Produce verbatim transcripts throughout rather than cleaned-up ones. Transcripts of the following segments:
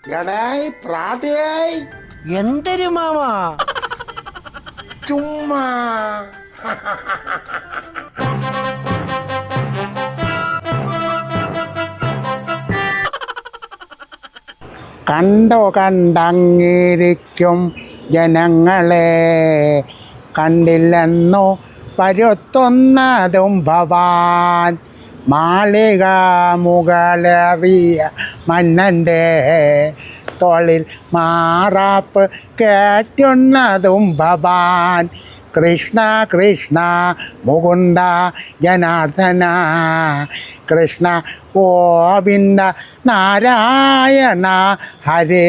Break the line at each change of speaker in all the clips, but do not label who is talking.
എടായ് പ്രാതയായി
എന്തൊരു മാമാ
ചുമ്മാ കണ്ടോ കണ്ടങ്ങിരിക്കും ജനങ്ങളെ കണ്ടില്ലെന്നോ പരുത്തുന്നതും ഭവാൻ മാളിക മുകളറിയ മന്നൻ്റെ തോളിൽ മാറാപ്പ് കയറ്റുന്നതും ഭവാൻ കൃഷ്ണ കൃഷ്ണ മുകുന്ദ ജനാർദ്ദന കൃഷ്ണ ഗോവിന്ദ നാരായണ ഹരേ.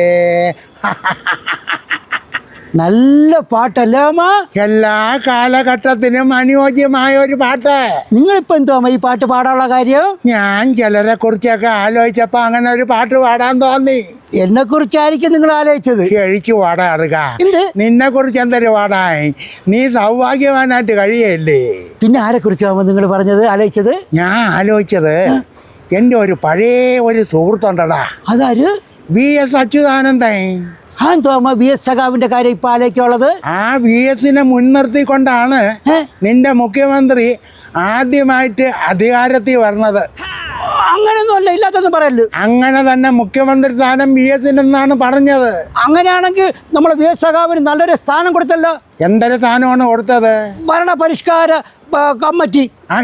നല്ല പാട്ടല്ലേ അമ്മ?
എല്ലാ കാലഘട്ടത്തിനും അനുയോജ്യമായ ഒരു പാട്ട്.
നിങ്ങളിപ്പോ എന്തോ അമ്മ ഈ പാട്ട് പാടാനുള്ള കാര്യം?
ഞാൻ ചിലരെ കുറിച്ചൊക്കെ ആലോചിച്ചപ്പോ അങ്ങനെ ഒരു പാട്ട് പാടാൻ തോന്നി.
എന്നെ കുറിച്ചായിരിക്കും നിങ്ങൾ ആലോചിച്ചത്?
കഴിച്ചു പാടാറുക.
എന്ത്?
നിന്നെ കുറിച്ച് എന്തൊരു പാടായി? നീ സൗഭാഗ്യവാനായിട്ട് കഴിയല്ലേ.
പിന്നെ ആരെ കുറിച്ചാവുമ്പോ നിങ്ങൾ പറഞ്ഞത് ആലോചിച്ചത്?
ഞാൻ ആലോചിച്ചത് എൻ്റെ ഒരു പഴയ ഒരു സുഹൃത്തുണ്ടടാ.
അതാര്?
V S Achuthanandan.
ആ എന്തോ അമ്മ വി എസ് സഖാവിന്റെ കാര്യം ഇപ്പൊ ആലോചിക്കുള്ളത്?
ആ വി എസിനെ മുൻനിർത്തിക്കൊണ്ടാണ് നിന്റെ മുഖ്യമന്ത്രി ആദ്യമായിട്ട് അധികാരത്തിൽ വരുന്നത്.
അങ്ങനെയൊന്നും അല്ല, ഇല്ലാത്തൊന്നും പറയല്ലോ.
അങ്ങനെ തന്നെ മുഖ്യമന്ത്രി സ്ഥാനം വി എസിനെന്നാണ് പറഞ്ഞത്.
അങ്ങനെയാണെങ്കിൽ നമ്മൾ വി എസ് സഖാവിന് നല്ലൊരു സ്ഥാനം കൊടുത്തല്ലോ.
എന്തൊരു സ്ഥാനമാണ് കൊടുത്തത്?
ഭരണ പരിഷ്കാര കമ്മിറ്റി.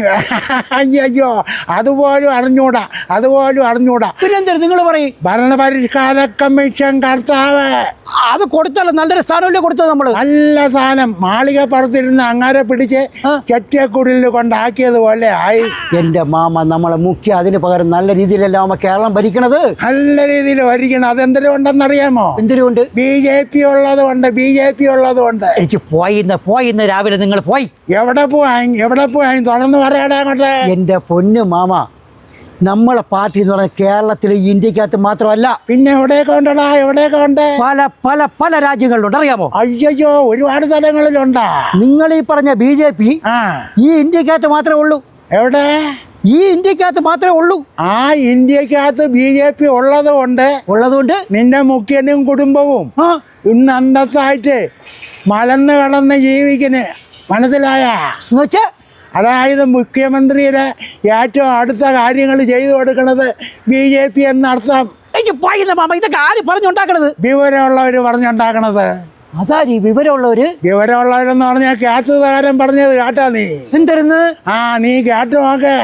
അയ്യോ, അതുപോലും അറിഞ്ഞൂടാ, അതുപോലും അറിഞ്ഞൂടാ.
പിന്നെന്താ നിങ്ങൾ പറയും?
ഭരണപരിഷ്കാര കമ്മീഷൻ കർത്താവ്.
അത് കൊടുത്തല്ലോ, നല്ലൊരു സ്ഥാനമല്ലേ കൊടുത്തത് നമ്മള്?
നല്ല സ്ഥാനം. മാളിക പറത്തിരുന്ന് അങ്ങാരെ പിടിച്ച് ചെറ്റക്കുടിൽ കൊണ്ടാക്കിയത് പോലെ ആയി.
എന്റെ മാമ, നമ്മളെ മുഖ്യ അതിന് പകരം നല്ല രീതിയിലല്ല അമ്മ കേരളം ഭരിക്കണത്.
നല്ല രീതിയിൽ ഭരിക്കണം. അതെന്തിനുണ്ടെന്നറിയാമോ?
എന്തിനുകൊണ്ട്?
ബി ജെ പി ഉള്ളത് കൊണ്ട്. ബി ജെ പി ഉള്ളത് കൊണ്ട്.
എനിക്ക് പോയിന്ന് പോയിന്ന് രാവിലെ നിങ്ങൾ പോയി.
എവിടെ പോയി? എവിടെ പോയി? തുറന്ന് പറയാടാ അങ്ങോട്ട്.
എന്റെ പൊന്നു മാമ, നമ്മളെ പാർട്ടി എന്ന് പറഞ്ഞാൽ കേരളത്തിലെ ഇന്ത്യക്കകത്ത് മാത്രമല്ല,
പിന്നെ എവിടെയൊക്കെ ഉണ്ടടാ? എവിടെയൊക്കെ ഉണ്ട്?
പല പല പല രാജ്യങ്ങളിലുണ്ട്, അറിയാമോ?
അയ്യോ, ഒരുപാട് സ്ഥലങ്ങളിലുണ്ടാ.
നിങ്ങൾ ഈ പറഞ്ഞ ബി ജെ പി
ആ
ഈ ഇന്ത്യക്കകത്ത് മാത്രമേ ഉള്ളൂ.
എവിടെ?
ഈ ഇന്ത്യക്കകത്ത് മാത്രമേ ഉള്ളൂ.
ആ ഇന്ത്യക്കകത്ത് ബി ജെ പി ഉള്ളത് കൊണ്ട്
ഉള്ളതുകൊണ്ട്
നിന്റെ മുഖ്യനും കുടുംബവും
ആ
ഇന്ന് അന്തസ്സായിട്ട് മലന്ന് കടന്ന് ജീവിക്കുന്നു. മനസ്സിലായ?
എന്നുവെച്ചാ
അതായത് മുഖ്യമന്ത്രിയുടെ ഏറ്റവും അടുത്ത കാര്യങ്ങൾ ചെയ്തു കൊടുക്കുന്നത് ബി ജെ പി എന്നർത്ഥം.
എനിക്ക് പോയിന്ന് മാമ, ഇതൊക്കെ ആര് പറഞ്ഞുണ്ടാക്കണത്?
വിവരമുള്ളവർ പറഞ്ഞുണ്ടാക്കണത്.
അതാര് വിവരമുള്ളവര്?
വിവരമുള്ളവരെന്ന് പറഞ്ഞാൽ കേട്ടതാരം പറഞ്ഞത് കേട്ടാ നീ?
എന്തായിരുന്നു?
ആ നീ കേട്ടു നോക്ക്.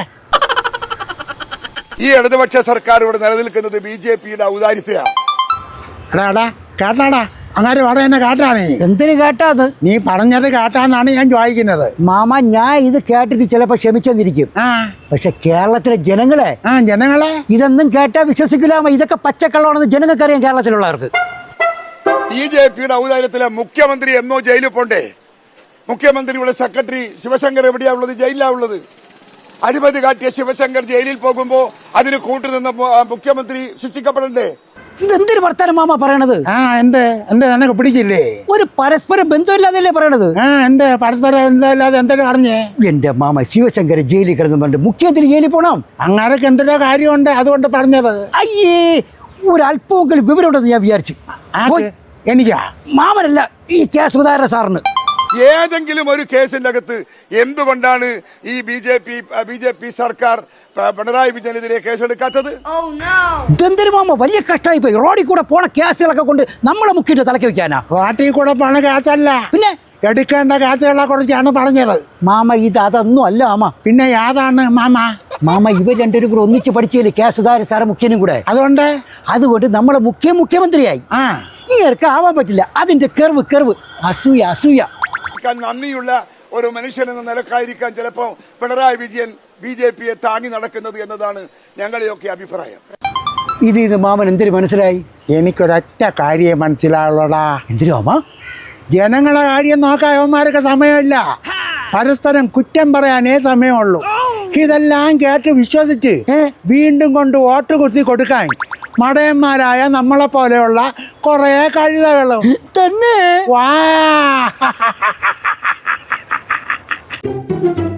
ഈ ഇടതുപക്ഷ സർക്കാർ ഇവിടെ നിലനിൽക്കുന്നത് ബി ജെ പിയുടെ ഔദാര്യത്തിലാണ്.
എടാ കേട്ടാടാ, അങ്ങനെ പറയുന്ന കേട്ടാ നീ?
എന്തിനു കേട്ടാത്?
നീ പറഞ്ഞത് കേട്ടാന്നാണ് ഞാൻ ചോദിക്കുന്നത്.
മാമ, ഞാൻ ഇത് കേട്ടിട്ട് ചിലപ്പോ ക്ഷമിച്ചെന്നിരിക്കും.
ആ
പക്ഷെ കേരളത്തിലെ ജനങ്ങളെ
ആ ജനങ്ങളെ
ഇതൊന്നും കേട്ടാ വിശ്വസിക്കില്ലാമ. ഇതൊക്കെ പച്ചക്കള്ളമാണെന്ന് ജനങ്ങൾക്ക് അറിയാം, കേരളത്തിലുള്ളവർക്ക്.
ബി ജെ പിയുടെ ഔദാര്യത്തിലെ മുഖ്യമന്ത്രി എന്നോ ജയിലിൽ പോണ്ടേ? മുഖ്യമന്ത്രിയുടെ സെക്രട്ടറി ശിവശങ്കർ എവിടെയാ ഉള്ളത്? ജയിലിലാ ഉള്ളത്. അഴിമതി കാട്ടിയ ശിവശങ്കർ ജയിലിൽ പോകുമ്പോ അതിന് കൂട്ടുനിന്ന മുഖ്യമന്ത്രി ശിക്ഷിക്കപ്പെടണ്ടേ?
ഇതെന്തൊരു വർത്താനം മാമ പറയണത്?
ആ എന്ത് എന്ത് നിനക്ക് പിടിച്ചില്ലേ?
ഒരു പരസ്പര ബന്ധമില്ലാതല്ലേ പറയണത്?
ആ എന്ത് പരസ്പരം എന്താല്ലാതെ എന്തൊരു അറിഞ്ഞേ?
എന്റെ മാമ, ശിവശങ്കർ ജയിലിൽ കിടന്നുണ്ട്, മുഖ്യമന്ത്രി ജയിലിൽ പോണം.
അങ്ങനൊക്കെ എന്തൊരു കാര്യമുണ്ട്, അതുകൊണ്ട് പറഞ്ഞത്.
അയ്യേ, ഒരല്പമെങ്കിലും വിവരമുണ്ടെന്ന് ഞാൻ വിചാരിച്ചു.
എനിക്കാ?
മാമനല്ല, ഈ കെ സുധാകരൻ സാറിന്.
ഏതെങ്കിലും ഒരു കേസിന്റെ അകത്ത് എന്തുകൊണ്ടാണ് ഈ B J P B J P സർക്കാർ പിണറായി വിജയനെതിരെ കേസെടുക്കാത്തത്?
ഇതെന്തൊരു മാമ, വലിയ കഷ്ടമായി പോയി. റോഡിൽ കൂടെ പോണ കേസുകളൊക്കെ കൊണ്ട് നമ്മളെ മുഖ്യന്റെ തലക്ക് വെക്കാനാ?
റോഡിൽ കൂടെ പോണ കേസല്ല,
പിന്നെ
എടുക്കേണ്ട കേസുകളെ കുറിച്ചാണ് പറഞ്ഞത്.
മാമ, ഇത് അതൊന്നും അല്ല മാമ.
പിന്നെ യാതാണ് മാമ?
മാമ, ഇവർ രണ്ടുപേരും കൂടെ ഒന്നിച്ച് പഠിച്ചില്ലേ, കെ സുധാകരൻ സാറ് മുഖ്യനും കൂടെ.
അതുകൊണ്ട്
അതുകൊണ്ട് നമ്മളെ മുഖ്യ മുഖ്യമന്ത്രിയായി.
ആ
ഇങ്ങർക്ക് ആവാൻ പറ്റില്ല. അതിന്റെ കെർവ് കെർവ് അസൂയ അസൂയ.
നന്ദിയുള്ള ഒരു മനുഷ്യൻ എന്ന നിലക്കായിരിക്കാൻ ചിലപ്പോ പിണറായി വിജയൻ ബി ജെ പിയെ താങ്ങി നടക്കുന്നത് എന്നതാണ് ഞങ്ങളുടെയൊക്കെ അഭിപ്രായം.
ഇത് ഇത് മാമൻ എന്തിനു മനസ്സിലായി?
എനിക്കൊരൊറ്റ കാര്യം മനസ്സിലാവുള്ളടാ.
എന്തിനു മാമ?
ജനങ്ങളെ കാര്യം നോക്കാൻ അവന്മാർക്ക് സമയമില്ല. പരസ്പരം കുറ്റം പറയാനേ സമയമുള്ളൂ. ഇതെല്ലാം കേട്ട് വിശ്വസിച്ച് വീണ്ടും കൊണ്ട് വോട്ട് കുത്തി കൊടുക്കാൻ മടയന്മാരായ നമ്മളെ പോലെയുള്ള കുറേ കഴുതകളും
തന്നെ.
വാ